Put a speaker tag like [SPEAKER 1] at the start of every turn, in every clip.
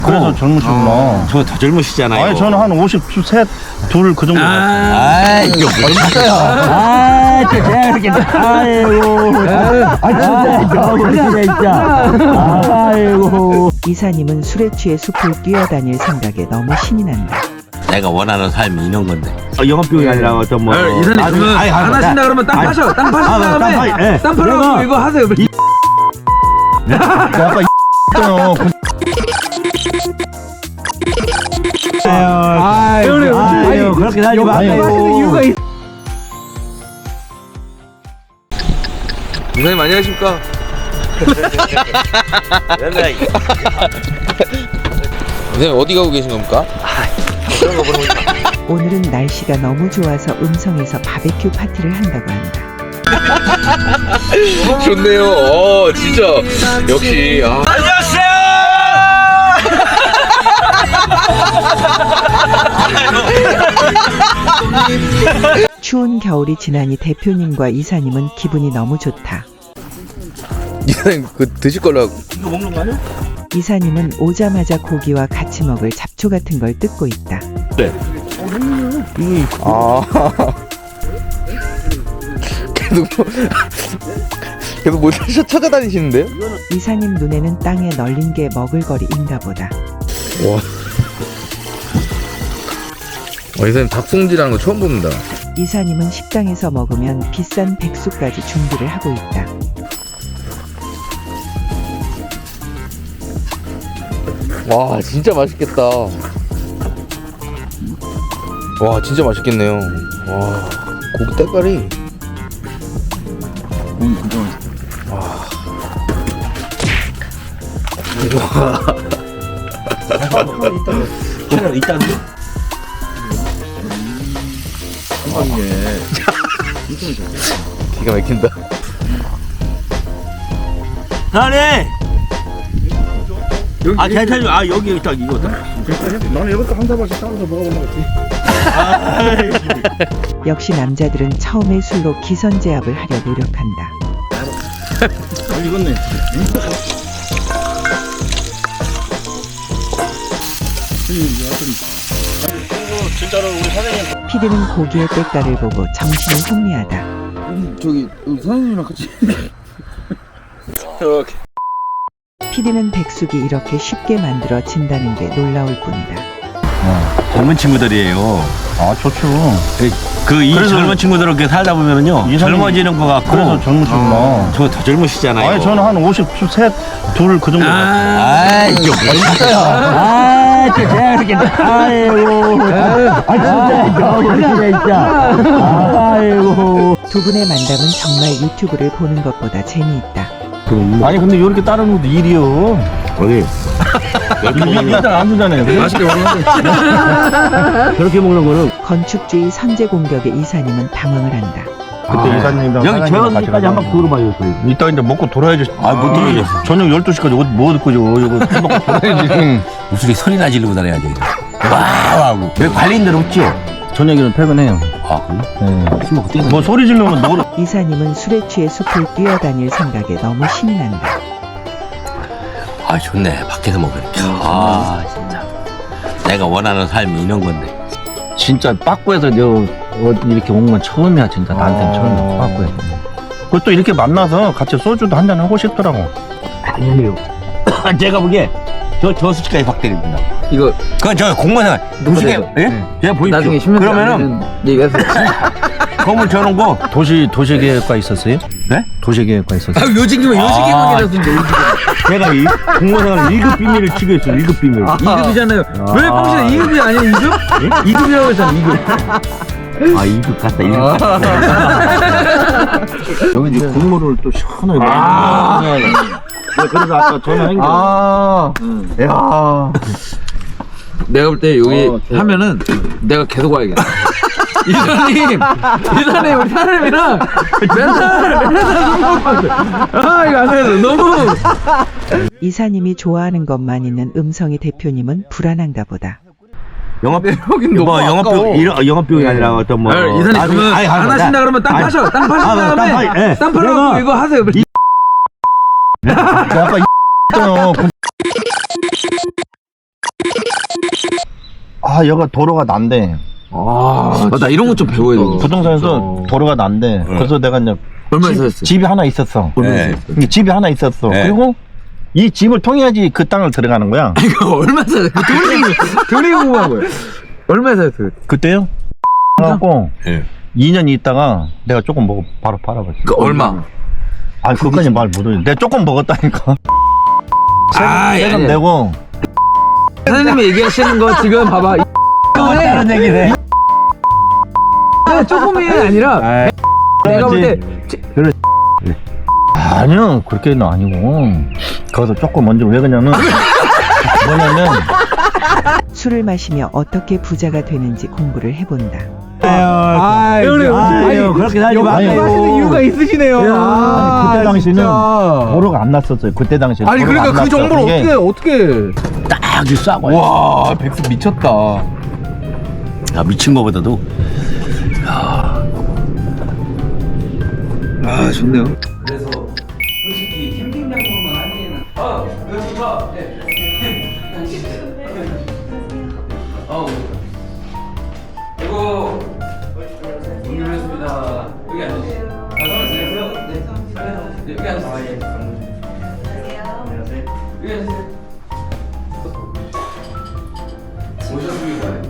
[SPEAKER 1] 그래서 젊으시구나.
[SPEAKER 2] 저 더 젊으시잖아요.
[SPEAKER 1] 아니 저는 한 53, 2 그 정도.
[SPEAKER 2] 이거 멋있어요.
[SPEAKER 3] 진짜 이렇게 아이고 진짜 아이고.
[SPEAKER 4] 이사님은 술에 취해 숲을 뛰어다닐 생각에 너무 신이 난다.
[SPEAKER 2] 내가 원하는 삶이 이런 건데. 영업비용이 아니라 어떤 뭐.
[SPEAKER 5] 이사님 그러면 안 하신다 그러면 땅 파셔. 땅 파신 다음에 땅 팔아갖고 이거 하세요.
[SPEAKER 1] 아까 있잖아.
[SPEAKER 3] 아유 그렇게 하지 마세요.
[SPEAKER 5] 이사님 안녕하십니까? 이사님 어디 가고 계신 겁니까?
[SPEAKER 4] 오늘은 날씨가 너무 좋아서 음성에서 바베큐 파티를 한다고 한다.
[SPEAKER 5] 좋네요. 진짜 역시
[SPEAKER 4] 추운 겨울이 지나니 대표님과 이사님은 기분이 너무 좋다.
[SPEAKER 5] 이사님 그 드실 거라고.
[SPEAKER 4] 이사님은 오자마자 고기와 같이 먹을 잡초 같은 걸 뜯고 있다.
[SPEAKER 5] 계속 뭐 찾아다니시는데요?
[SPEAKER 4] 이사님 눈에는 땅에 널린 게 먹을거리인가 보다.
[SPEAKER 5] 이사님 닭송지라는 거 처음 봅니다.
[SPEAKER 4] 이사님은 식당에서 먹으면 비싼 백숙까지 준비를 하고 있다.
[SPEAKER 5] 와 진짜 맛있겠다. 와 진짜 맛있겠네요. 와 고기 때깔이.
[SPEAKER 2] 일단
[SPEAKER 5] 기가 막힌다.
[SPEAKER 2] 나네. 괜찮아. 여기 딱 이거.
[SPEAKER 1] 나는 이것도 한 사발씩 따라서 먹어보는 거지.
[SPEAKER 4] 역시 남자들은 처음에 술로 기선제압을 하려 노력한다.
[SPEAKER 1] 잘 익었네. 진짜로 우리 사장님.
[SPEAKER 4] 피디는 고기의 때깔을 보고 정신이 혼미하다.
[SPEAKER 5] 저기 사장님이랑 같이.
[SPEAKER 4] 피디는 백숙이 이렇게 쉽게 만들어진다는 게 놀라울 뿐이다.
[SPEAKER 2] 젊은 친구들이에요.
[SPEAKER 1] 아 좋죠.
[SPEAKER 2] 이
[SPEAKER 1] 그래서-
[SPEAKER 2] 젊은 친구들은 이렇게 살다 보면은요.
[SPEAKER 1] 이사님-
[SPEAKER 2] 젊어지는 거 같고.
[SPEAKER 1] 그래서 젊으시구나.
[SPEAKER 2] 저 더 젊으시잖아요.
[SPEAKER 1] 아니 저는 한 53, 2 그 정도.
[SPEAKER 2] 이거 멋있어요.
[SPEAKER 3] 진짜 이렇게 아이고 진짜 아이고.
[SPEAKER 4] 두 분의 만남은 정말 유튜브를 보는 것보다 재미있다.
[SPEAKER 1] 아니 근데 이렇게 따르는 것도 일이요.
[SPEAKER 2] 어디?
[SPEAKER 1] 일단 안 주잖아요.
[SPEAKER 5] 맛있게 먹는데.
[SPEAKER 2] 그렇게 먹는 거는
[SPEAKER 4] 건축주의 선제 공격에 이사님은 당황을 한다.
[SPEAKER 1] 그때 이사님이랑
[SPEAKER 2] 여기 재원까지 한번 들어봐요.
[SPEAKER 1] 이따 이제 먹고 돌아야지.
[SPEAKER 2] 못 들어야죠.
[SPEAKER 1] 저녁 12시까지 뭐 듣고 이거 술 먹고 돌아야지.
[SPEAKER 2] 무슨 소리나 지르고 다녀야지. 와우 하고. 왜 관리인들 없지요?
[SPEAKER 1] 저녁에는 퇴근해요.
[SPEAKER 2] 그래? 술 먹고 뛰는
[SPEAKER 1] 뭐 소리 지르면 노래.
[SPEAKER 4] 이사님은 술에 취해 숲을 뛰어다닐 생각에 너무 신이 난다.
[SPEAKER 2] 좋네. 밖에서 먹으니까. 진짜. 내가 원하는 삶이 이런 건데.
[SPEAKER 1] 진짜 빠꾸에서 이렇게 온 건 처음이야. 진짜 나한테는 처음이야. 빠꾸에서. 그것도 이렇게 만나서 같이 소주도 한잔 하고 싶더라고.
[SPEAKER 2] 아니에요. 제가 보기에 저 수치까지 확 때립니다.
[SPEAKER 5] 이거
[SPEAKER 2] 그건 저 공무원생활. 도시계, 예? 제가 보입시오.
[SPEAKER 5] 나중에 10년
[SPEAKER 2] 그러면은
[SPEAKER 5] 얘기해서.
[SPEAKER 2] 건물 저런 거.
[SPEAKER 1] 도시계획과 있었어요?
[SPEAKER 2] 네?
[SPEAKER 1] 도시계획과 있었어요.
[SPEAKER 5] 요직이면 요직이만이라던데.
[SPEAKER 2] 제가 이 공무원생활 1급 비밀을 치고 있어요. 1급 비밀.
[SPEAKER 5] 2급이잖아요. 왜 평소에 2급이 아니야 2급? 2급이라고 했잖아 2급.
[SPEAKER 2] 2급 갔다, 1급 갔다.
[SPEAKER 1] 여기 이제 국물을 또 시원하게 먹는 그래서 아까 전화한 게.
[SPEAKER 5] 야. 내가 볼 때 여기 하면은 내가 계속 와야겠다. 이사님 우리 사람이랑 맨날 술 먹고 이거 안 해도 너무.
[SPEAKER 4] 이사님이 좋아하는 것만 있는 음성이 대표님은 불안한가 보다.
[SPEAKER 5] 여긴 너무
[SPEAKER 2] 영업비용이 아니라 어떤 뭐.
[SPEAKER 5] 이사님 그러면 안 하신다 그러면 땅 파셔. 땅 파신 다음에 땅 팔아갖고 이거 하세요.
[SPEAKER 1] 아까 있잖아. 여가 도로가 난데.
[SPEAKER 5] 나 이런 거 좀 배워야 돼.
[SPEAKER 1] 부동산에서 도로가 난데. 그래서 내가 이제
[SPEAKER 5] 얼마에 샀어요?
[SPEAKER 1] 집이 하나 있었어.
[SPEAKER 2] 네.
[SPEAKER 1] 집이 하나 있었어.
[SPEAKER 2] 네.
[SPEAKER 1] 그리고 이 집을 통해야지 그 땅을 들어가는 거야.
[SPEAKER 5] 이거 얼마 샀어요? 돈이 궁금한 거예요. 얼마에 샀어요?
[SPEAKER 1] 그때요? 그래갖고
[SPEAKER 2] 예.
[SPEAKER 1] 2년 있다가 내가 조금 먹고 바로 팔아버렸어.
[SPEAKER 5] 그 얼마?
[SPEAKER 1] 그것까지 말 못해. 내가 조금 먹었다니까. 세금 내고.
[SPEAKER 5] 사장님이 얘기하시는 거 지금 봐봐.
[SPEAKER 3] 다른 얘기네.
[SPEAKER 5] 조금이 아니라 내가 볼 때
[SPEAKER 1] 아니요, 그렇게는 아니고. 거기서 조금 먼저 왜 그러냐면, 뭐냐면,
[SPEAKER 4] 술을 마시며 어떻게 부자가 되는지 공부를 해본다.
[SPEAKER 3] 아유, 그렇게 살지 마세요.
[SPEAKER 1] 하시는 이유가
[SPEAKER 3] 있으시네요.
[SPEAKER 1] 그때 당시는 도로가 안 났었어요. 그때 당시에.
[SPEAKER 5] 아니
[SPEAKER 1] 도로가
[SPEAKER 5] 그러니까
[SPEAKER 1] 안
[SPEAKER 5] 그
[SPEAKER 1] 났어.
[SPEAKER 5] 정보를
[SPEAKER 1] 그게
[SPEAKER 5] 어떻게
[SPEAKER 1] 딱 싸고.
[SPEAKER 5] 와 백수 미쳤다.
[SPEAKER 2] 야, 미친 거보다도.
[SPEAKER 5] 아 좋네요.
[SPEAKER 6] 그래서 솔직히 캠핑장으로만 하기에는 여기 좋다. 네. 이거 준비했습니다. 여기 앉으세요. 안녕하세요. 네. 여기 앉으세요. 안녕하세요. 여기 앉으세요. 오셨습니다.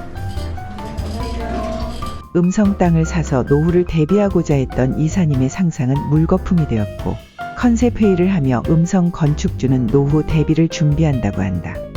[SPEAKER 4] 음성 땅을 사서 노후를 대비하고자 했던 이사님의 상상은 물거품이 되었고 컨셉 회의를 하며 음성 건축주는 노후 대비를 준비한다고 한다.